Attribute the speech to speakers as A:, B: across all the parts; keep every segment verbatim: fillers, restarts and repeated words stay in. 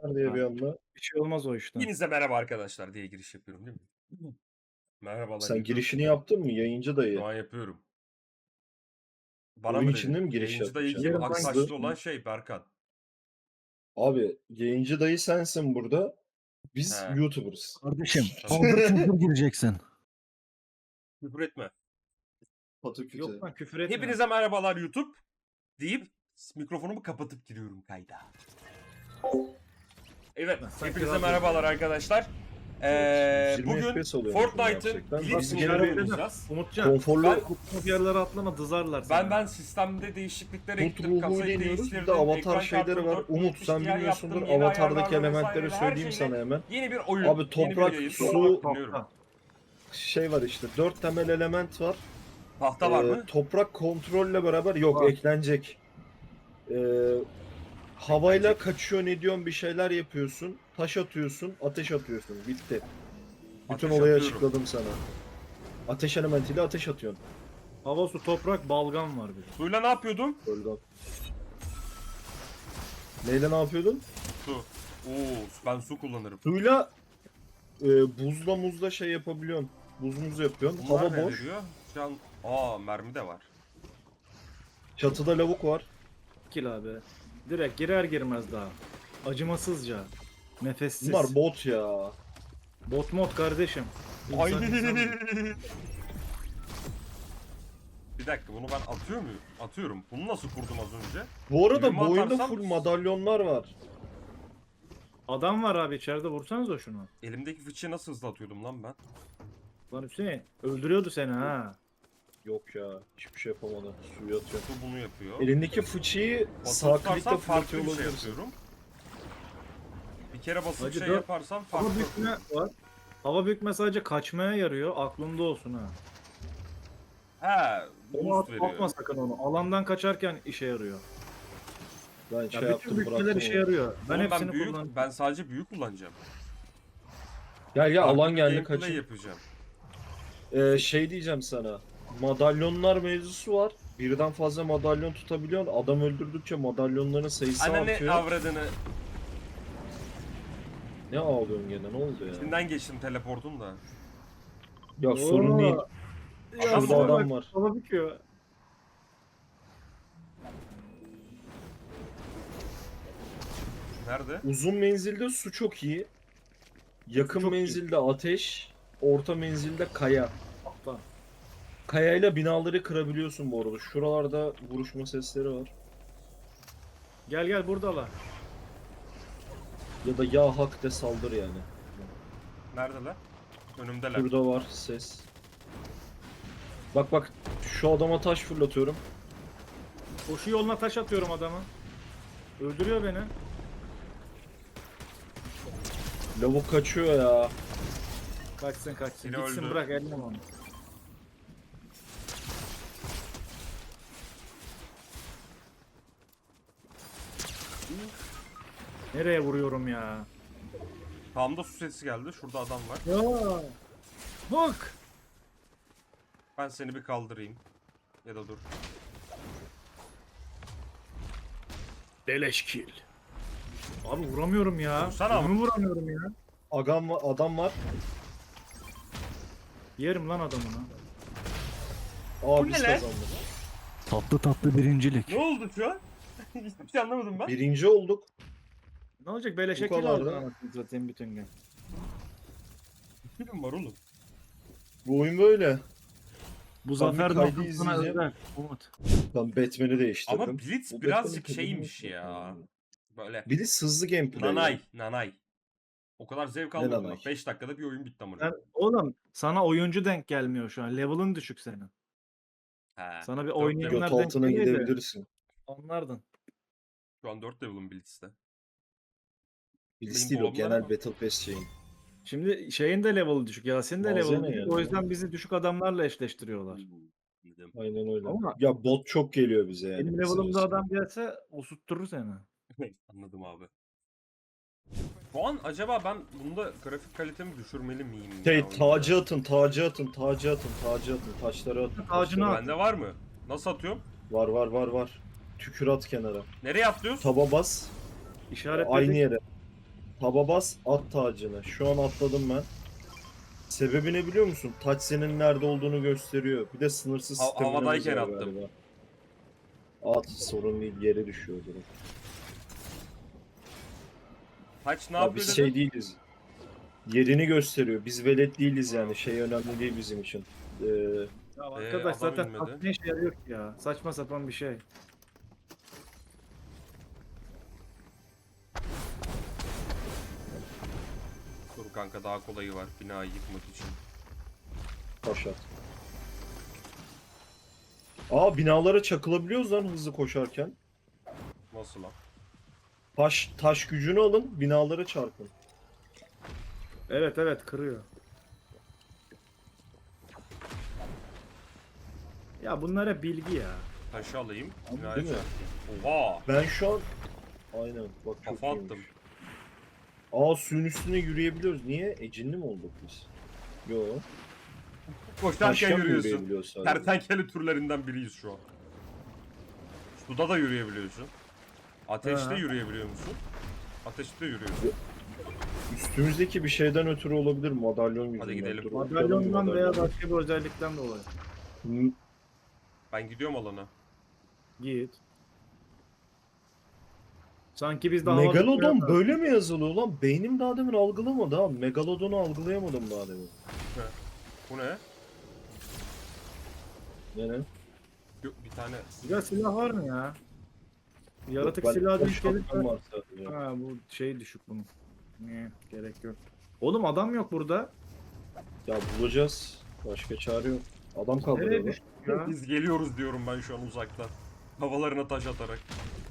A: diye bir anda.
B: Bir şey olmaz o işten.
C: Hepinize merhaba arkadaşlar diye giriş yapıyorum değil mi? Merhabalar
A: Sen
C: YouTube.
A: girişini yaptın mı yayıncı
C: Şu
A: dayı?
C: an yapıyorum. Bana
A: Oyun
C: mı
A: içinde
C: dedin?
A: mi giriş
C: Yayıncı dayı
A: yapacaksın?
C: kim?
B: Yarın ben
C: Aksaçlı
A: Hızlı.
C: olan şey Berkan.
A: Abi yayıncı dayı sensin burada. Biz
C: He.
A: YouTuber'ız.
B: Kardeşim
C: Tamam.
B: paldır küldür gireceksin.
C: Küfür etme.
A: Pataküte.
B: Yok lan küfür etme.
C: Hepinize merhabalar YouTube deyip mikrofonumu kapatıp giriyorum kayda. Evet,
B: Ben sanki
C: hepinize
B: radyo-
C: merhabalar arkadaşlar. Ee,
A: yirmi F P
C: bugün
A: S oluyormuş
C: Fortnite'ın
A: gerçekten.
C: Blitz
A: Nasıl
C: modelini
A: gelebilir?
C: oynayacağız.
B: Umutcan.
A: Konforlu
C: Ben-
B: Kutluk yerlere atlama dızarlar seni.
C: Ben ben sistemde değişikliklere
A: Umut
C: gittim,
A: ruhu
C: kasayı
A: deniyoruz. Bir
C: değiştirdim,
A: de avatar
C: ekran
A: şeyleri
C: kartını
A: var.
C: dört bin
A: Umut
C: yetmiş
A: sen
C: Ti
A: bilmiyorsundur.
C: yaptım, yeni
A: Avatar'daki
C: ayarlarla
A: elementleri
C: vesaire, her
A: söyleyeyim
C: şeyle
A: sana hemen.
C: Yeni bir oyun,
A: Abi
C: yeni
A: toprak,
C: bir yayın.
A: su-
C: Dinliyorum.
A: Şey var işte. Dört temel element var.
C: Tahta var
A: Ee,
C: mı?
A: Toprak kontrolle beraber yok
B: Var.
A: eklenecek. Ee, havayla kaçıyor ne diyorsun bir şeyler yapıyorsun. Taş atıyorsun, ateş atıyorsun. Bitti. Bütün
C: Ateş
A: olayı
C: atıyorum.
A: açıkladım sana. Ateş elementiyle ateş atıyorsun.
B: Hava, su, toprak, balgam var bir de.
C: Suyla ne yapıyordum?
A: Bölgem. Neyle ne yapıyordun?
C: Su. Oo, ben su kullanırım.
A: Suyla e, buzla muzla şey yapabiliyorsun. Buz muz yapıyorsun.
C: Bunlar
A: Hava
C: ne
A: boş.
C: veriyor? Şu an... Aa, mermi de var.
A: Çatıda lavuk var.
B: Kil abi. Direkt girer girmez daha. Acımasızca. Nefessiz.
A: Bunlar bot ya.
B: Bot mod kardeşim.
C: Ay.
B: İnsan insan değil.
C: Bir dakika, bunu ben atıyor muyum? Atıyorum. Bunu nasıl kurdum az önce?
A: Bu arada
C: Yirmi
A: bu oyunda
C: atarsam-
A: full madalyonlar var.
B: Adam var abi içeride, vursanıza şunu.
C: Elimdeki fıçıyı nasıl hızlı atıyordum lan ben?
B: Lan Hüseyin öldürüyordu seni ha.
A: Yok ya. Hiçbir şey yapamadı. Suyu atıyor.
C: Su bunu yapıyor.
A: Elindeki fıçıyı
C: Basılı
A: sağ
C: tutarsam
A: klikle
C: farklı
A: fırlatıyor
C: bir şey
A: olabilirsin.
C: yapıyorum. Bir kere basılı
B: Hacı
C: şey
B: dört-
C: yaparsam farklı.
B: Hava bükme var. Hava bükme sadece kaçmaya yarıyor. Aklında olsun ha.
C: He,
B: Onu
C: boost
B: at,
C: veriyor.
B: atma sakın onu. Alandan kaçarken işe yarıyor.
A: Ben
B: Ya
A: şey
B: bütün
A: yaptım
B: bükmeler
A: bıraktım
B: işe
A: onu.
B: yarıyor. Ben
C: Oğlum
B: hepsini
C: ben büyük,
B: kullanıyorum.
C: ben sadece büyük kullanacağım.
A: Gel gel
C: Farklı
A: alan
C: bir
A: geldi
C: gameplay
A: kaçın.
C: yapacağım.
A: Ee, şey diyeceğim sana. Madalyonlar mevzusu var. Birden fazla madalyon tutabiliyorsun. Adam öldürdükçe madalyonların sayısı
C: Anne
A: artıyor.
C: avradını.
A: Ne ağlıyorsun gene ne oldu ya?
C: İçinden geçtim teleportun da.
A: Ya sorun değil.
B: Ya
C: Adam
A: Şurada
C: var.
A: adam var.
B: Hava büküyor.
C: Nerede?
A: Uzun menzilde su çok iyi. Yakın
B: Çok iyi.
A: menzilde ateş. Orta menzilde kaya.
B: Hatta.
A: Kayayla binaları kırabiliyorsun bu arada. Şuralarda vuruşma sesleri var.
B: Gel gel buradalar.
A: Ya da ya hak de saldır yani.
C: Neredeler? Önümdeler.
A: Burada var ses. Bak bak şu adama taş fırlatıyorum.
B: Koşu yoluna taş atıyorum adamı. Öldürüyor beni.
A: Lavuk kaçıyor ya.
B: Kaçsın kaçsın.
C: Biri
B: Gitsin
C: öldü.
B: bırak elleme onu. Nereye vuruyorum ya?
C: Sağımda su sesi geldi. Şurada adam var.
B: Ya. Bak.
C: Ben seni bir kaldırayım. Ya da dur.
B: Beleş kill. Abi vuramıyorum ya.
C: Vursana ama.
B: Bunu vuramıyorum ya.
A: Agam var, adam var.
B: Yerim lan adamını.
A: Aa
C: Bu
A: biz
C: ne lan?
A: kazandık.
B: Tatlı tatlı birincilik.
C: Ne oldu şu an? Hiçbir şey anlamadım ben.
A: Birinci olduk.
B: Ne olacak beleşe
A: Bu
B: kill
A: kadar
B: aldın
A: da.
B: anasını satayım bütün gün.
C: Film var oğlum.
A: Bu oyun böyle.
B: Bu
A: Ben
B: zafer
A: bir kaydı
B: noktasına
A: izleyeceğim.
B: özel. Umut.
A: Ben Batman'i değiştirdim.
C: Ama Blitz
A: Bu
C: birazcık
A: Batman'in
C: şeymiş
A: kadını-
C: ya. Böyle
A: Blitz hızlı gameplay.
C: nanay,
A: ya.
C: nanay. O kadar zevk
A: Ne
C: almadım
A: nanay?
C: bak. beş dakikada bir oyun bitti amına.
B: Sen, oğlum sana oyuncu denk gelmiyor şu an. Level'ın düşük senin.
C: He.
B: Sana bir
C: Dört
B: oynayanlar
A: Göt
B: denk
A: altına
B: geliyor da
A: gidebilirsin.
B: anlardın.
C: Şu an dört level'ım Blitz'te.
A: Blitz
C: Benim
A: değil o
C: dolabımda
A: genel
C: ama.
A: Battle Pass şeyin.
B: Şimdi şeyin de level'ı düşük. Yasin de
A: Malzeme
B: level'ı düşük.
A: yani.
B: O yüzden bizi düşük adamlarla eşleştiriyorlar.
C: Dedim.
A: Aynen öyle.
B: Ama-
A: Ya bot çok geliyor bize yani.
B: Benim
A: kısacası.
B: level'ımda adam gelse osurtturur seni.
C: Anladım abi. Şu an acaba ben bunda grafik kalitemi düşürmeli miyim?
A: Şey
C: ya oyunda?
A: tacı atın, tacı atın, tacı atın, tacı atın, taşları atın.
B: Tacını
A: taşları
B: at.
A: atın.
C: Bende var mı? Nasıl atıyorum?
A: Var var var var. Tükür at kenara.
C: Nereye atlıyoruz?
A: Taba bas.
B: İşaretledik.
A: Aynı yere. Taba bas at tacını. Şu an atladım ben. Sebebi ne biliyor musun? Taç senin nerede olduğunu gösteriyor. Bir de sınırsız
C: Ha-
A: staminamız
C: havadayken
A: var
C: attım.
A: galiba. At sorun değil, yere düşüyor direkt.
C: Taç ne
A: Ya
C: yapıyor
A: biz
C: dedin?
A: şey değiliz. Yerini gösteriyor. Biz velet değiliz yani. Şey önemli değil bizim için. Ee,
B: Ya
C: Ee,
B: arkadaş
C: adam
B: zaten
C: inmedi.
B: taş ne işe yarıyor ki ya? Saçma sapan bir şey.
C: Dur kanka daha kolayı var binayı yıkmak için.
A: taş at. Aa, binalara çakılabiliyoruz lan hızlı koşarken.
C: Nasıl lan?
A: Taş taş gücünü alın, binalara çarpın.
B: Evet evet kırıyor. Ya bunlar hep bilgi ya.
C: Taşı alayım.
A: Abi,
C: Binaya
A: değil mi?
C: çarpayım. Oha!
A: Ben şu an aynen bak çok
C: Kafa
A: iyiymiş.
C: attım.
A: Aa, suyun üstüne yürüyebiliyoruz. Niye? Ecinli mi olduk biz? Yo.
C: Koşarken
A: Taşken mi
C: yürüyorsun.
A: yürüyebiliyoruz sadece?
C: Kertenkele türlerinden biriyiz şu an. Suda da yürüyebiliyorsun. Ateşte
B: Ha.
C: yürüyebiliyor musun? Ateşte yürüyorsun.
A: Üstümüzdeki bir şeyden ötürü olabilir, madalyon yüzünden.
C: gidelim.
A: Dur,
B: Madalyondan
A: bakalım
B: veya
A: madalyon.
B: başka bir özellikten dolayı.
A: Hı,
C: Ben gidiyorum alana.
B: Git. Sanki biz de havada
A: Megalodon
B: uçuyoruz.
A: böyle mi yazılıyor lan? Beynim daha demin algılamadı ha. Megalodon'u algılayamadım daha demin.
C: Bu ne?
A: Ne ne?
C: Yok, bir tane.
B: Ya silah var mı ya? Yaratık
A: Ben-
B: silahı
A: ben
B: denk gelirse...
A: şapkam var sadece.
B: Ha bu şey düşük bunun. Ne gerek yok. Oğlum adam yok burada.
A: Ya bulacağız. Başka çare yok. Adam kaldırıyor
B: Nereye
A: lan.
B: düştük ya?
C: Biz geliyoruz diyorum ben şu an uzaktan. Havalarına taş atarak.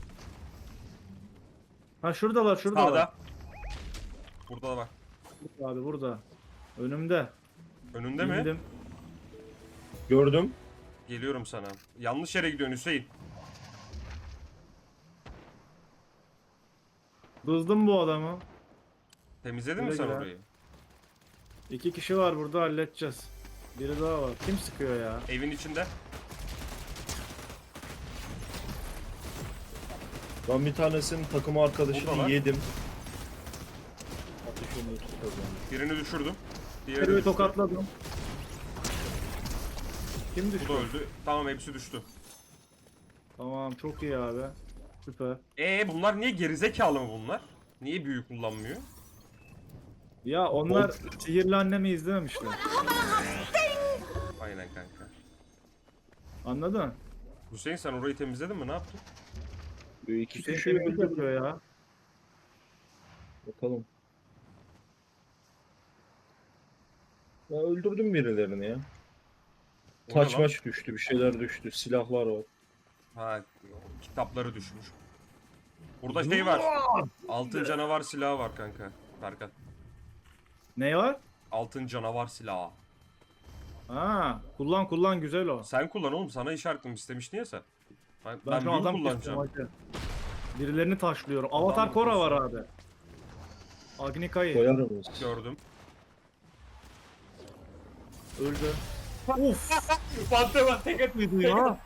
B: Ha şuradalar şuradalar.
C: Sağda. Burada da bak.
B: Abi burada. Önümde.
C: Önünde mi?
B: İndim.
A: Gördüm.
C: Geliyorum sana. Yanlış yere gidiyorsun Hüseyin.
B: Dızdım bu adamı.
C: Temizledin mi
B: Güle
C: sen
B: güle.
C: orayı?
B: İki kişi var burada halledeceğiz. Biri daha var. Kim sıkıyor ya?
C: Evin içinde.
A: Ben bir tanesinin takım
C: Burada
A: arkadaşını
C: var.
A: yedim. Ateşini tutup kazandım.
C: Birini düşürdüm. Diğeri
B: Birini
C: düştü.
B: tokatladım. Kim
C: Bu
B: düştü?
C: da öldü. Tamam hepsi düştü.
B: Tamam çok iyi abi. Süper.
C: Ee bunlar niye gerizekalı mı bunlar? Niye büyü kullanmıyor?
B: Ya onlar sihirli annemi izlememişler.
C: Aynen kanka.
B: Anladın?
C: Hüseyin sen orayı temizledin mi? Ne yaptın?
A: Bir iki
B: Hüseyin
A: kişiyi
B: temizlik
A: öldürdüm.
B: yapıyor ya.
A: Bakalım. Ya öldürdüm birilerini ya.
C: O ne
A: Taç
C: lan?
A: maç düştü, bir şeyler düştü, silahlar var.
C: Ha kitapları düşmüş. Burada şey var. Altın canavar silahı var kanka. Berkan.
B: Ne var?
C: Altın canavar silahı.
B: Ha, kullan kullan güzel o.
C: Sen kullan oğlum. Sana işaretim istemiştin ya sen. Ben,
B: Ben,
C: ben,
B: şu
C: büyü
B: adam
C: kullanacağım.
B: kestim hadi. Birilerini taşlıyorum. Avatar
C: Adam
B: Korra var
C: bakıyorsun.
B: abi. Agnika'yı
A: Koyar mıyız?
C: Gördüm.
B: öldü. Uf!
C: Bante ben tek
B: Mıydı ya?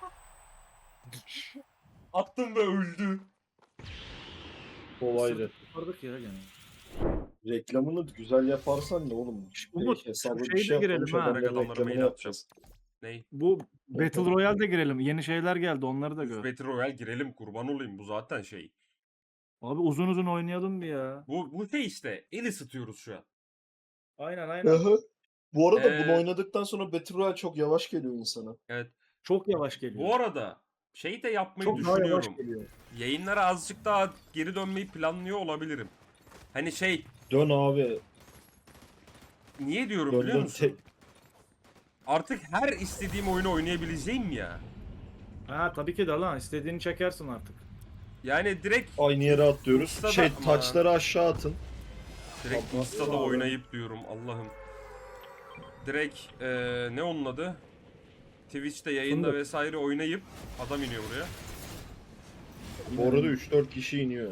C: attım ve öldü.
A: Kolaydı.
B: Kurtardık ya gene.
A: Reklamını güzel yaparsan ne oğlum?
B: Umut,
A: Şey, hesabı
B: şu
A: bir
B: şeyde
A: şey
B: girelim
A: yapmamış
B: ha.
A: adamların
C: Direkt adamlara
A: reklamını
C: mail atacağım.
A: yapacağız.
C: Ney?
B: Bu Battle Royale'de girelim. Yeni şeyler geldi onları da gör.
C: Battle Royale girelim kurban olayım bu zaten şey.
B: Abi uzun uzun oynayalım bir ya.
C: Bu, bu şey işte el ısıtıyoruz şu an.
B: Aynen aynen.
A: Aha. Bu arada
C: Ee,
A: bunu oynadıktan sonra Battle Royale çok yavaş geliyor insana.
C: Evet.
B: Çok yavaş geliyor.
C: Bu arada şey de yapmayı
B: Çok daha yavaş
C: düşünüyorum.
B: geliyor.
C: Yayınlara azıcık daha geri dönmeyi planlıyor olabilirim. Hani şey
A: Dön abi.
C: niye diyorum
A: Dön
C: biliyor
A: dön.
C: musun?
A: Tek...
C: Artık her istediğim oyunu oynayabileceğim ya.
B: Ha tabii ki de lan istediğini çekersin artık.
C: Yani direkt
A: Aynı yere atlıyoruz.
C: Insta'da
A: Şey
C: ama-
A: taçları aşağı atın.
C: direkt
A: Allah
C: Insta'da
A: Allah.
C: oynayıp diyorum Allah'ım. Direkt eee, ne onun adı? Twitch'te yayında
B: Fındık.
C: vesaire oynayıp adam iniyor buraya.
A: Bu arada üç dört kişi iniyor.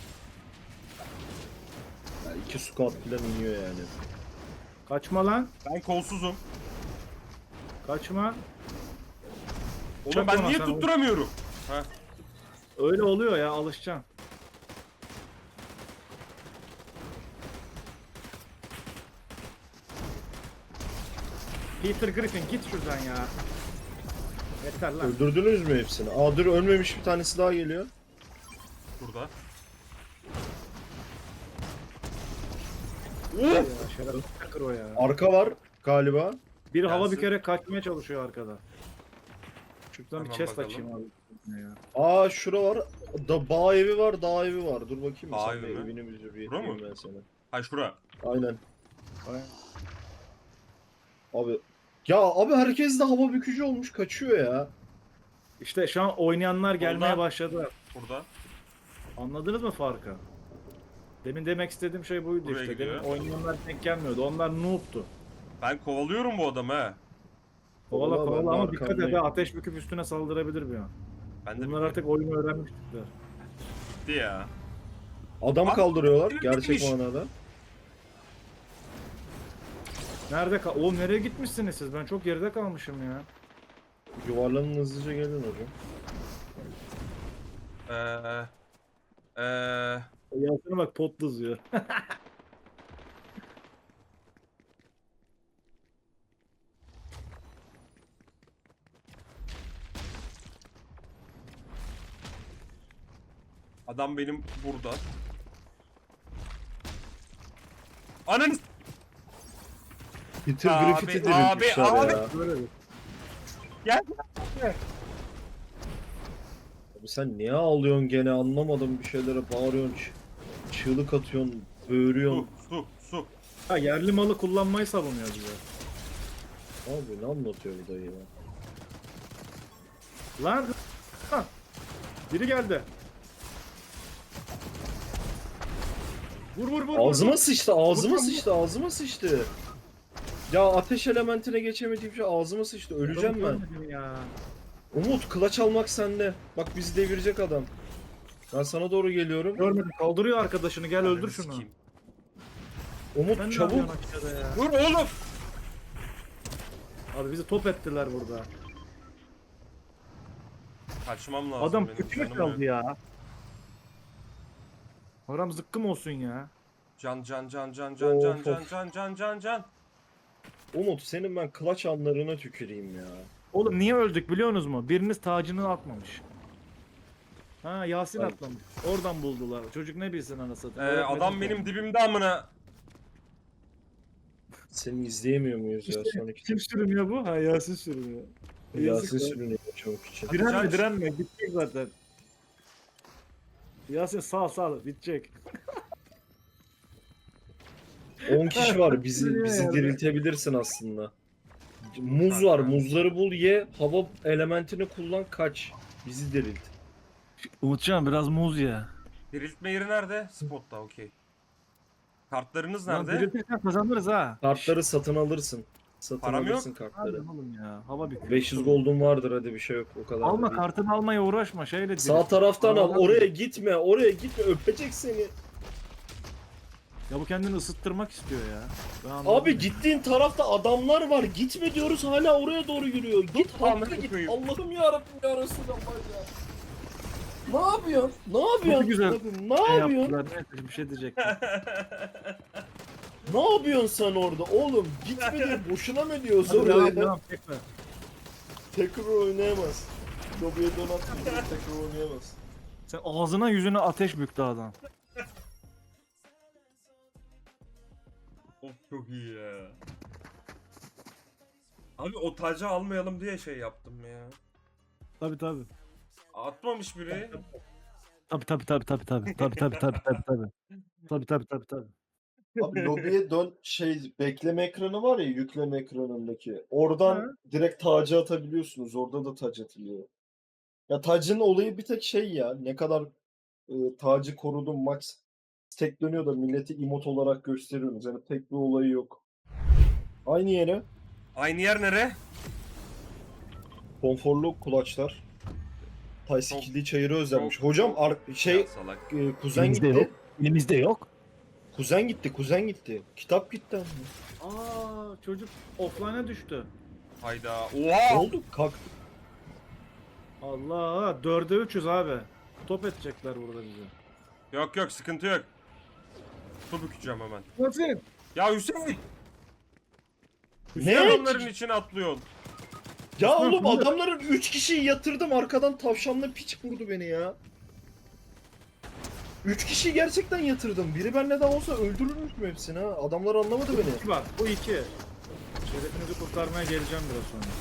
A: Yani iki squad falan iniyor yani.
B: Kaçma lan.
C: Ben kolsuzum.
B: Kaçma.
C: Oğlum
B: Çak
C: ben
B: ona
C: niye
B: sen,
C: tutturamıyorum? Ha.
B: Öyle oluyor ya alışacaksın. Peter Griffin git şuradan ya. Yeter lan.
A: Öldürdünüz mü hepsini? Aa dur, ölmemiş bir tanesi daha geliyor.
C: Burada.
B: Ya, şerefsiz Hacker o ya.
A: Arka var galiba.
B: Biri hava
C: Gelsin.
B: bükerek kaçmaya çalışıyor arkada. Şuradan bir
C: Hemen
B: chest
C: bakalım.
B: açayım abi. Ya.
A: Aa şura var. Da bağ evi var, dağ evi var. Dur bakayım mı
C: Dağ
A: sen
C: evi
A: bir
C: mi?
A: evini bir bir
C: Bura mı?
A: yapayım ben sana.
C: Hay şura.
A: Aynen.
B: Ay.
A: Abi ya abi herkes de hava bükücü olmuş, kaçıyor ya.
B: İşte şu an oynayanlar gelmeye
C: Orada.
B: başladı.
C: Burada.
B: Anladınız mı farkı? Demin demek istediğim şey buydu
C: Buraya
B: işte.
C: gidiyor.
B: Demin oynayanlar denk gelmiyordu. Onlar noob'tu.
C: Ben kovalıyorum bu adamı he.
B: Kovala
A: Kovala, ben
B: kovala
A: de
B: ama dikkat et
A: arkandayım.
B: ha, ateş büküp üstüne saldırabilir bir an.
C: Ben de
B: Bunlar artık oyunu öğrenmiş tipler.
C: bitti ya.
A: Adam
C: Abi,
A: kaldırıyorlar
C: biri
A: gerçek
C: bitmiş.
A: manada.
B: Nerede kal... Oğlum nereye gitmişsiniz siz? Ben çok geride kalmışım ya.
A: Yuvarlanın, hızlıca gelin hocam.
C: Eee... Eee...
B: Yasin'e bak pot dızıyor.
C: Adam benim burada. Ananı s-
A: Peter
C: Abi,
A: Griffith'i
C: abi,
A: diriltmişler
C: abi.
A: ya.
B: Böyle bir.
C: Gel.
A: Abi sen niye ağlıyorsun gene, anlamadım, bir şeylere bağırıyorsun, ç- çığlık atıyorsun,
C: Su,
A: böğürüyorsun.
C: su, su.
B: Ha, yerli malı kullanmayı savunuyor bize.
A: Abi ne anlatıyor bu dayı ya?
B: Lan! Ha! Biri geldi. Vur vur vur.
A: Ağzıma
B: vur.
A: sıçtı, ağzıma
B: Vurma,
A: sıçtı, ağzıma sıçtı. Ya ateş elementine geçemediğim şey ağzıma sıçtı, öleceğim ben.
B: Görmedim ya.
A: Umut, kılaç almak sende. Bak bizi devirecek adam. Ben sana doğru geliyorum.
B: Görmedim. Kaldırıyor arkadaşını. Gel öldür
C: Ananı
B: şunu.
C: sikeyim.
A: Umut
B: Sen ne
A: çabuk.
B: yapıyorsun aşağıda ya?
C: Dur oğlum.
B: Abi bizi top ettiler burada.
C: Kaçmam lazım
B: Adam
C: benim.
B: kötü
C: canım
B: kaldı
C: yok.
B: ya. Aram zıkkım olsun ya.
C: Can can can can can can
A: Of,
C: can
A: of.
C: can can can can.
A: Umut senin ben kılaç anlarına tüküreyim ya.
B: Oğlum niye öldük biliyorsunuz mu? Biriniz tacını atmamış. Ha Yasin
A: Ben-
B: atlamış. Oradan buldular. Çocuk ne bilsin anasını
C: Ee,
B: satayım.
C: adam
B: Öğretmedi
C: benim
B: ki.
C: dibimde amına.
A: Seni izleyemiyor muyuz ya
B: İşte,
A: son iki?
B: kim sürünüyor bu? Ha Yasin sürünüyor.
A: Yasin
B: Yazık lan.
A: sürünüyor çabuk için.
B: Direnme
C: Can-
B: direnme. Bitecek zaten. Yasin sağ sağ bitecek.
A: on kişi var, bizi
B: Sürünüyor
A: bizi
B: yani.
A: diriltebilirsin aslında. Muz var, muzları bul, ye, hava elementini kullan, kaç. Bizi dirilt.
B: Umutcan biraz muz ya.
C: Diriltme yeri nerede? Spotta okey. Kartlarınız
B: Lan
C: nerede?
B: diriltirsen kazanırız ha.
A: Kartları satın alırsın. Satın
C: Param yok.
A: alırsın kartları.
B: Hadi oğlum ya. Hava bitiyor.
A: beş yüz gold'un vardır, hadi bir şey yok o kadar. da
B: Alma
A: değil.
B: kartını almaya uğraşma şeyle
A: Sağ
B: dirilt.
A: taraftan al,
B: Aa,
A: oraya gitme, oraya gitme, öpecek seni.
B: Ya bu kendini ısıttırmak istiyor ya. Ben anladım
A: Abi
B: ya.
A: gittiğin tarafta adamlar var, gitme diyoruz, hala oraya doğru yürüyor. Git
C: Amına
A: hakkı git.
C: koyayım.
A: Allah'ım yarabbim ya Resulallah ya. Ne yapıyorsun? Ne yapıyorsun?
B: Çok güzel.
A: Ne
B: Şey
A: yapıyorsun?
B: yaptılar, neyse bir şey diyecektim.
A: Ne yapıyorsun sen orada? Oğlum gitme diye boşuna mı diyoruz
B: Hadi devam
A: oraya?
B: devam tekrar.
A: Tekrar oynayamaz. Lobiye donat tekrar oynayamaz.
B: Sen ağzına yüzüne ateş büktü adam.
C: Of çok iyi ya. Abi o tacı almayalım diye şey yaptım ya.
B: Tabi tabi.
C: Atmamış biri.
B: Tabi tabi tabi tabi tabi tabi tabi tabi tabi tabi. Tabi tabi tabi tabi.
A: Abi lobiye dön, şey bekleme ekranı var ya, yükleme ekranındaki. Oradan
B: Ha.
A: direkt tacı atabiliyorsunuz. Orada da tac atılıyor. Ya tacın olayı bir tek şey ya. Ne kadar e, tacı korudum, max tek dönüyor da milleti emot olarak gösteriyorsunuz. Yani pek bir olayı yok. Aynı yere
C: Aynı yer nere?
A: konforlu kulaçlar. Tay
C: Çok-
A: sikildiği çayırı özlenmiş.
C: çok-
A: Hocam
C: çok-
A: ar- şey
C: Ya salak.
A: e, kuzen
B: Elimizde
A: gitti.
B: yok. Elimizde yok.
A: Kuzen gitti, kuzen gitti. Kitap gitti. ama.
B: Aa çocuk offline'a düştü.
C: Hayda.
A: Ne
C: Oha!
A: oldu? Kalk.
B: Allah dörde üçüz abi. Top edecekler burada bizi.
C: Yok yok sıkıntı yok. Su bükeceğim hemen.
B: Nasıl?
C: Ya Hüseyin! Hüseyin
A: Ne?
C: adamların içine atlıyorsun.
A: Ya
B: Osman,
A: oğlum
B: bu ne?
A: adamların üç kişiyi yatırdım arkadan tavşanla piç vurdu beni ya. üç kişiyi gerçekten yatırdım. Biri benle daha olsa öldürürmüşüm hepsini ha. Adamlar anlamadı beni.
B: İki bak bu iki. Şerefinizi kurtarmaya geleceğim biraz sonra.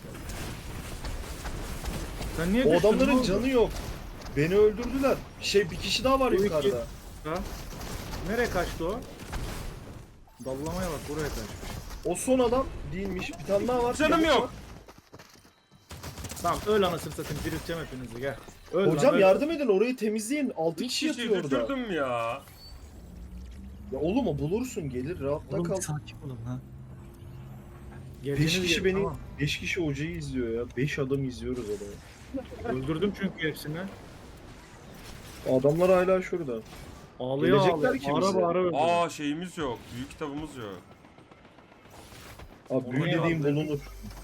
B: Sen niye
A: O
B: düştün, ne
A: adamların
B: oldu?
A: canı yok. Beni öldürdüler. Şey bir kişi daha var
B: Bu iki-
A: yukarıda.
B: Ha? Nereye kaçtı o? Dallamaya bak buraya kaçmış.
A: O son adam değilmiş. Bir tane daha var.
C: Canım
A: Yavuk
C: yok.
A: var.
B: Tamam öl anasını satayım dirilteceğim hepinizi gel. Öl
A: Hocam
B: lan, öl.
A: yardım edin orayı temizleyin. altı
C: Bir
A: kişi
C: kişiyi
A: yatıyor orada.
C: düşürdüm ya.
A: Ya oğlum o bulursun gelir rahatta kal.
B: sakin olun ha.
A: beş
B: Geldiğiniz
A: kişi
B: yere,
A: beni
B: tamam.
A: beş kişi hocayı izliyor ya. beş adam izliyoruz adamı.
B: Öldürdüm çünkü hepsini.
A: Adamlar hala şurada.
B: Ağlıyor
A: Gelecekler
B: ağlıyor.
A: ki
B: Bağıra
A: bize.
B: bağıra öldürdüm.
C: Aa şeyimiz yok. Büyük kitabımız yok.
A: Abi büyü
B: Oraya
A: dediğim
B: aldı.
A: bulunur.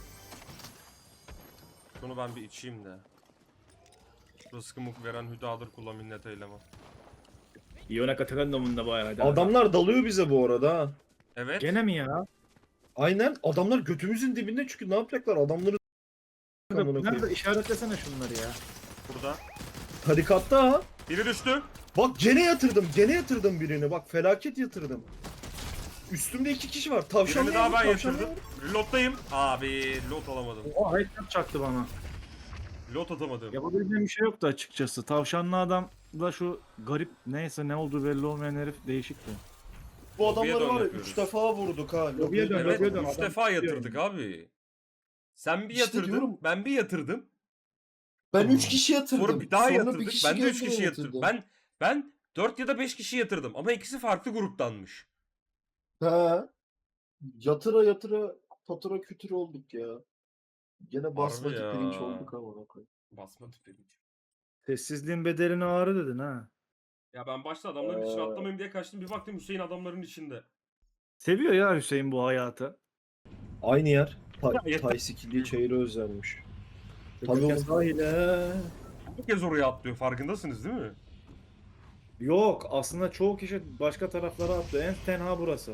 C: Şunu ben bir içeyim de. Rızkımı veren hüdadır kula minnet eyleme.
B: Yona katakandomunda bayağı.
A: Adamlar dalıyor bize bu arada ha.
C: Evet.
B: Gene mi ya?
A: Aynen adamlar götümüzün dibinde çünkü ne yapacaklar adamları amına koyayım.
B: Nerede işaretlesene şunları ya.
C: Burada.
A: Tarikatta ha.
C: Biri düştü.
A: Bak gene yatırdım gene yatırdım birini bak felaket yatırdım. Üstümde iki kişi var. Tavşan
C: Birini daha ben yatırdım. Reload'dayım. Abi reload alamadım.
B: Oha headshot çaktı bana.
C: Reload atamadım.
B: Yapabileceğim bir şey yoktu açıkçası. Tavşanlı adam da şu garip neyse ne olduğu belli olmayan herif değişikti.
A: Bu
C: Lobiye
A: adamları
C: dön
A: var ya
C: yapıyoruz.
A: üç defa vurduk ha.
B: Lobiye dön,
C: Evet
B: lobiye dön.
C: üç
B: adam
C: defa
B: tutuyor
C: yatırdık abi. Sen bir
A: İşte
C: yatırdın.
A: diyorum.
C: Ben bir yatırdım.
A: Ben üç kişi yatırdım.
C: Sonra bir daha
A: Sonra
C: yatırdık.
A: bir kişi
C: Ben de üç
A: geldi
C: kişi
A: beni
C: yatırdım. Ben ben dört ya da beş kişi yatırdım ama ikisi farklı gruptanmış.
A: He. Yatıra yatıra fatura kütür olduk ya. Gene basmacı
C: ya.
A: pirinç olduk ama ona koy.
C: Basma tüperi.
B: Sessizliğin bedelini ağrı dedin ha.
C: Ya ben başta adamların içine
A: Ee.
C: atlamayayım diye kaçtım. Bir baktım Hüseyin adamların içinde.
B: Seviyor ya Hüseyin bu hayatı.
A: Aynı yer. Ta
C: Ya yeter.
A: Taysikili çayırı özlenmiş. Tabii
B: Tabii
A: oğlum.
B: sahile.
C: Bir kez oraya atlıyor. Farkındasınız değil mi?
B: Yok aslında çoğu kişi başka taraflara attı. En tenha burası.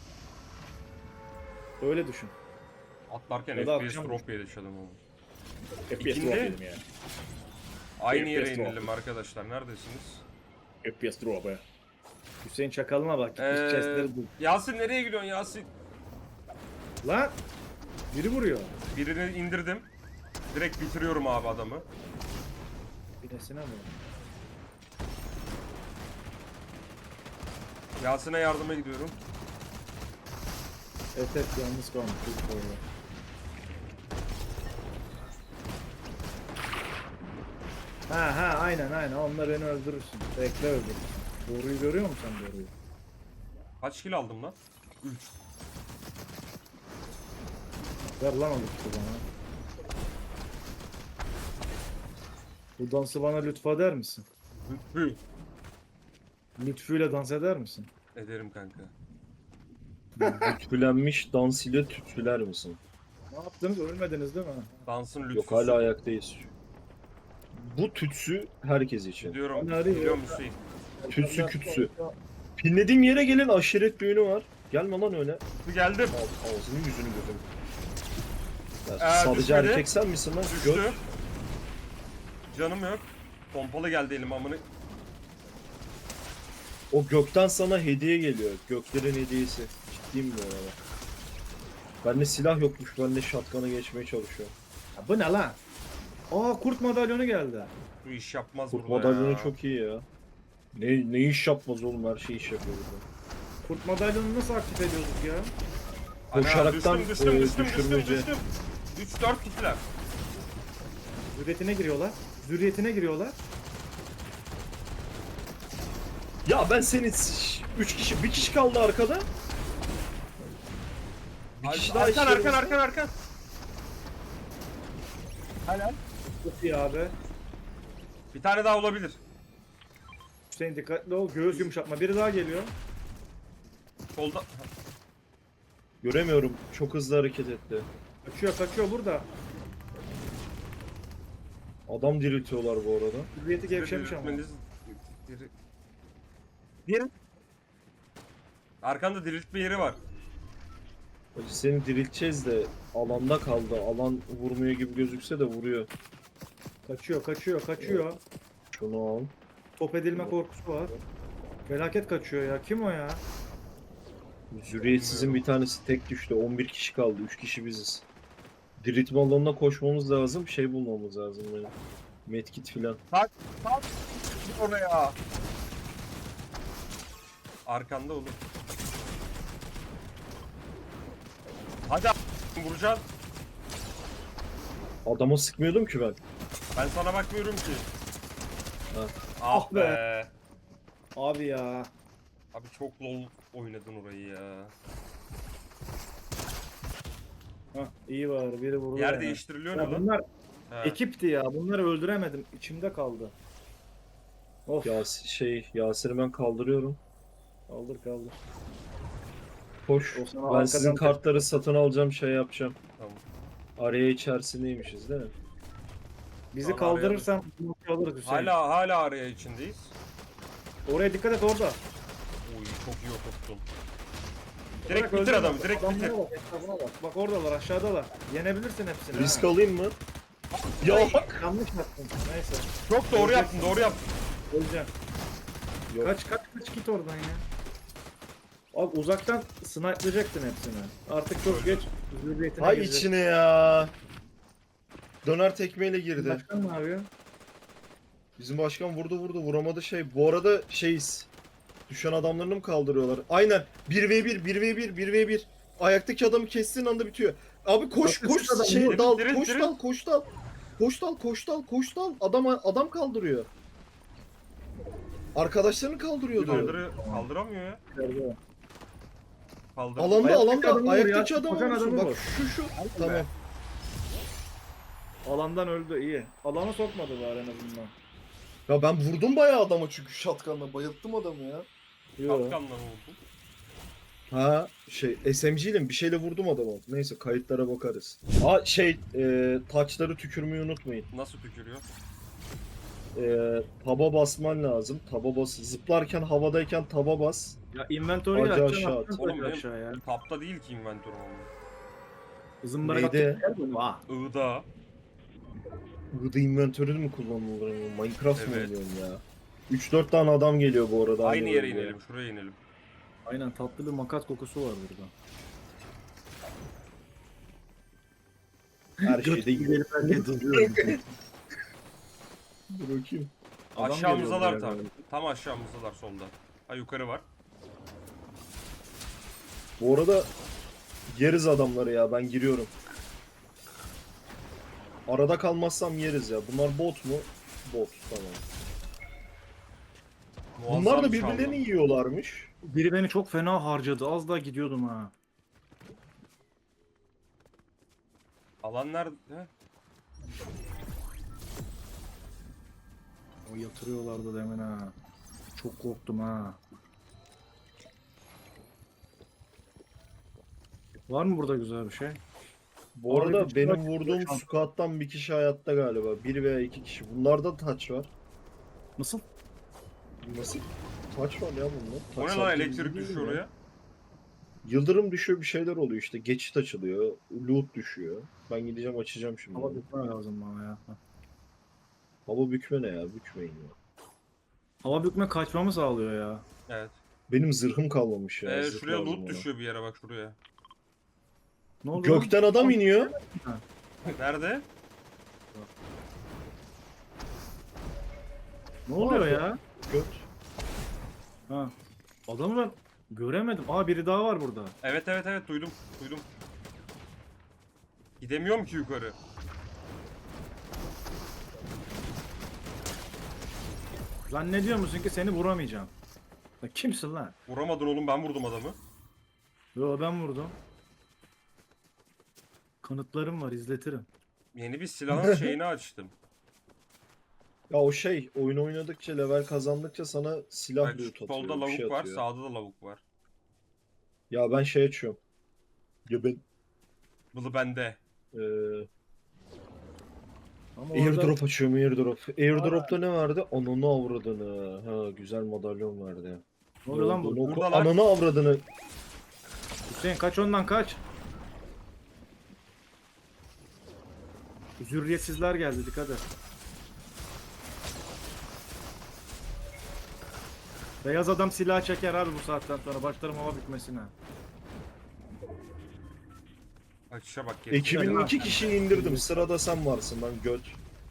B: Öyle düşün.
C: Atlarken
B: Ya da
C: F P S
B: akşam-
C: drop yaşadım ama.
B: F P S
C: İkindi.
B: drop yedim ya.
C: Aynı yere
B: F P S drop.
C: inelim arkadaşlar. Neredesiniz?
B: F P S drop ya. Hüseyin çakalına bak. Gitmiş
C: Ee,
B: chestleri bul.
C: Yasin nereye gidiyorsun Yasin?
B: Lan! Biri vuruyor.
C: Birini indirdim. Direkt bitiriyorum abi adamı.
B: Binesine mi?
C: Yasin'e yardıma gidiyorum.
B: Evet evet yalnız kalmış. Çok doğru. Ha ha aynen aynen onunla beni öldürürsün. Bekle öldürürsün. Doğruyu görüyor musun sen doğruyu?
C: Kaç kill aldım lan? üç.
B: Ver lan o lütfu bana. Bu dansı bana lütfeder misin?
C: Hı.
B: Lütfüyle dans eder misin?
C: Ederim kanka.
A: Tütülenmiş dans ile tütsüler misin?
B: Ne yaptınız? Ölmediniz değil mi?
C: Dansın lütfüsü.
A: Yok hala ayaktayız. Bu tütsü herkes için.
C: Gidiyorum.
B: Ben arıyorum.
C: Gidiyorum Hüseyin.
A: Tütsü kütsü. Pinlediğim yere gelin aşiret düğünü var. Gelme lan öyle.
C: Geldim.
A: Al, ağzını yüzünü gözünü. Ya,
C: Ee,
A: sadece
C: düşmedi.
A: erkek sen misin lan?
C: Düştü.
A: Göt.
C: Canım yok. Pompalı geldi elim amını.
A: O gökten sana hediye geliyor. Göklerin hediyesi. Ciddiyim bu arada. Bende silah yokmuş. Ben de shotgun'a geçmeye çalışıyorum.
B: Ya bu ne lan? Aa kurt madalyonu geldi.
C: Bu iş yapmaz
A: Kurt
C: burada
A: madalyonu
C: ya.
A: çok iyi ya. Ne, ne iş yapmaz oğlum her şey iş yapıyor burada.
B: Kurt madalyonu nasıl aktif ediyorduk ya?
C: Ana,
A: Koşaraktan,
C: düştüm düştüm
A: e,
C: düştüm düştüm
A: düşürmece.
C: düştüm. üç dört kişiler.
B: Zürriyetine giriyorlar. Zürriyetine giriyorlar.
A: Ya ben senin üç kişi, bir kişi kaldı arkada. Bir kişi daha
C: Arkan arkan
A: içerimizde.
C: arkan arkan. Helal.
B: Çok iyi abi.
C: Bir tane daha olabilir.
B: Hüseyin dikkatli ol. Göğüs yumuşatma. Biri daha geliyor.
C: Solda.
A: Göremiyorum. Çok hızlı hareket etti.
B: Kaçıyor kaçıyor burada.
A: Adam diriltiyorlar bu arada.
B: Zürriyeti gevşemiş ama.
C: Diriltmeniz- Diri- Diğeri. Arkanda diriltme yeri var.
A: Hacı seni dirilteceğiz de alanda kaldı. Alan vurmuyor gibi gözükse de vuruyor.
B: Kaçıyor, kaçıyor, kaçıyor.
A: Şunu al.
B: Top edilme korkusu var. Felaket kaçıyor ya. Kim o ya?
A: Zürriyetsizin bir tanesi tek düştü. on bir kişi kaldı. üç kişi biziz. Diriltme alanına koşmamız lazım. Şey bulmamız lazım benim. Medkit filan.
C: Tak tak oraya. Arkanda oğlum. Hadi a- vuracaksın.
A: Adama sıkmıyordum ki ben.
C: Ben sana bakmıyorum ki.
A: Ha.
C: Ah
B: Ah
C: be.
B: be. Abi ya.
C: Abi çok lol oynadın orayı ya.
B: Hah, iyi var. Biri vurdu.
C: Yer
B: yani.
C: değiştiriliyor
B: Ya
C: ne lan?
B: bunlar
C: He.
B: ekipti ya. Bunları öldüremedim. İçimde kaldı. Of.
A: Yas şey Yasir'i ben kaldırıyorum.
B: Kaldır kaldır.
A: Koş.
B: O sana
A: Ben
B: arkadan
A: sizin
B: tek-
A: kartları satın alacağım, şey yapacağım.
C: Tamam.
A: Araya içerisindeymişiz değil mi?
B: Bizi
C: Sonra
B: kaldırırsan bunu alırız Hüseyin.
C: Hala hala araya içindeyiz.
B: Oraya dikkat et orada.
C: Oy çok iyi oturttun. Direkt
B: Bırak,
C: bitir
B: öldürme.
C: adamı, direkt
B: Adamlara
C: bitir.
B: bak, etrafına bak. Bak oradalar, aşağıdalar. Yenebilirsin hepsini.
A: Risk
B: ha.
A: alayım mı? Ya
B: Yanlış yaptın. Neyse.
C: Çok doğru yaptın, doğru yaptın.
B: Öleceğim.
A: Yok.
B: Kaç kaç kaç git oradan ya. Abi uzaktan snipe'layacaktın hepsini. Artık çok geç. Zürriyetine
A: hay
B: girecek.
A: içine ya. Döner tekmeyle girdi.
B: Başkan ne yapıyor?
A: Bizim başkan vurdu vurdu vuramadı şey. Bu arada şeyiz. Düşen adamlarını mı kaldırıyorlar? Aynen. bir ve bir, bir ve bir, bir ve bir. Ayaktaki adamı kestiğin anda bitiyor. Abi koş
B: Bak,
A: koş
B: üç adam,
A: şey
C: direkt,
A: dal,
C: direkt,
A: koş
C: direkt.
A: dal, koş dal. Koş dal, koş dal, koş dal. Adam adam kaldırıyor. Arkadaşlarını kaldırıyordu.
C: Kaldırı, kaldıramıyor ya.
B: İçeride.
C: Kaldır.
A: Alanda
B: Ayaktaki
A: alanda
B: adamı vur
A: ayaktaki
B: ya,
A: adam
B: koşan
A: olsun.
B: adamı
A: Bak
B: vur.
A: şu şu. Tamam.
B: Alandan öldü iyi. Alana sokmadılar en azından.
A: Ya ben vurdum bayağı adama çünkü shotgun'la bayılttım adamı ya.
B: Yok.
C: Kapkanla vurdum.
A: Ha şey S M G ile bir şeyle vurdum adama. Neyse kayıtlara bakarız. Aa şey e, taçları tükürmeyi unutmayın.
C: Nasıl tükürüyor?
A: E, taba basman lazım. Taba bas. Zıplarken havadayken taba bas.
B: Ya inventory'yi
A: Acı
B: açacaksın
A: aşağı
B: atacaksın
A: at.
C: Oğlum
B: tabii
C: benim
B: aşağıya.
C: tapta değil ki inventörüm ama.
B: Zımbara
A: Neydi?
B: Vah.
C: Iğda.
A: Burada inventörü mü kullanılır? Minecraft mı
C: Evet.
A: oynuyorsun ya? üç dört tane adam geliyor bu arada.
C: Aynı yere
A: bölgeye.
C: inelim, şuraya inelim.
B: Aynen tatlı bir makat kokusu var burada.
A: Her şeyde yiyor.
B: Dur
A: Dur bakayım.
C: Aşağımızdalar tam. Tam aşağımızdalar solda. Ha yukarı var.
A: Bu arada yeriz adamları ya, ben giriyorum. Arada kalmazsam yeriz ya. Bunlar bot mu? Bot, tamam.
C: Muazzam
A: Bunlar da
C: bir
A: birbirlerini
C: çaldım.
A: yiyorlarmış.
B: Biri beni çok fena harcadı. Az daha gidiyordum ha.
C: Alan nerede?
B: O yatırıyorlardı demin ha. Çok korktum ha. Var mı burada güzel bir şey?
A: Bu
B: Abi
A: arada
B: bir
A: benim
B: çırak-
A: vurduğum
B: şans-
A: squad'dan bir kişi hayatta galiba. Bir veya iki kişi. Bunlarda taç var.
B: Nasıl?
A: Nasıl? Taç var ya bunda.
C: O ne
A: Taç
C: lan,
A: sadece
C: elektrik
A: bizde
C: düşüyor
A: değil mi?
C: oraya.
A: Yıldırım düşüyor, bir şeyler oluyor işte. Geçit açılıyor. Loot düşüyor. Ben gideceğim açacağım şimdi.
B: Hava bükme lazım bana ya.
A: Hava bükme ne ya? Bükmeyin ya.
B: Hava bükme kaçmamı sağlıyor ya.
C: Evet.
A: Benim zırhım kalmamış ya.
C: Ee,
A: zırh
C: şuraya
A: lazım
C: loot
A: ona.
C: düşüyor bir yere, bak şuraya.
B: Ne oldu lan?
A: Gökten adam iniyor.
C: Nerede?
B: Ne oluyor
A: Abi.
B: ya?
A: Göt.
B: Ha. Adamı ben göremedim. Aa biri daha var burada.
C: Evet evet evet duydum. Duydum. Gidemiyorum ki yukarı.
B: Zannediyor musun ki seni vuramayacağım? Ya kimsin lan?
C: Vuramadın oğlum, ben vurdum adamı.
B: Yo ben vurdum. Kanıtlarım var, izletirim.
C: Yeni bir silahın şeyini açtım.
A: Ya o şey, oyun oynadıkça, level kazandıkça sana silah
C: Bak
A: loot atıyor.
C: solda
A: bir
C: lavuk
A: şey
C: var,
A: atıyor.
C: sağda da lavuk var.
A: Ya ben şey açıyorum. Ya ben
C: Bunu bende.
A: eee
B: Ama
A: airdrop açıyorum, airdrop. Airdrop'ta ne verdi? Ananı avradını. Ha, güzel madalyon verdi.
B: Ne oluyor lan bu?
A: Olduğunu oku-
C: Buradalar.
A: Ananı avradını.
B: Hüseyin kaç ondan kaç. Zürriyetsizler geldi, dikkat et. Beyaz adam silah çeker abi bu saatten sonra. Başlarım hava bitmesine.
C: Açışa bak geri.
A: Ekibinin iki kişiyi indirdim. Sırada sen varsın lan göt.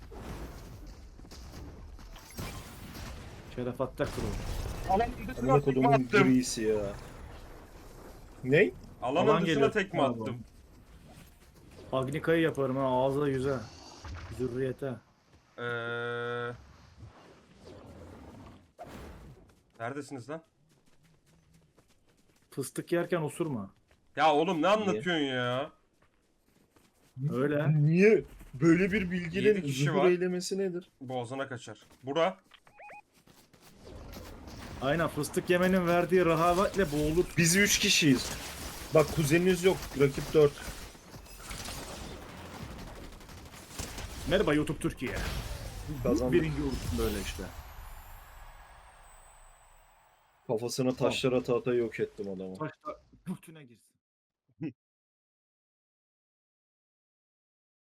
B: Şerefatta kuru.
C: Alan
A: Amına
C: dışına tekme
A: kodumun
C: attım.
A: grisi ya. Ney?
C: Alanın
B: Alan
C: dışına
B: geliyor.
C: tekme
B: Tamam.
C: attım.
B: Agnika'yı yaparım ha, ağza yüze. Zürriyete.
C: Ee... Neredesiniz lan?
B: Fıstık yerken osurma.
C: Ya oğlum ne anlatıyorsun ya?
B: Öyle.
A: Niye? Böyle bir
C: Yedi
A: bilginin
C: kişi
A: zuhur
C: var.
A: eylemesi nedir?
C: Boğazına kaçar. Bura.
B: Aynen, fıstık yemenin verdiği rahavetle boğulur.
A: Biz üç kişiyiz. Bak kuzeniniz yok. Rakip dört.
B: Merhaba YouTube Türkiye.
A: Kazandık.
B: Birinci olursun böyle işte.
A: Kafasına taşlar ata ata yok ettim adamı.
B: Başta götüne girsin.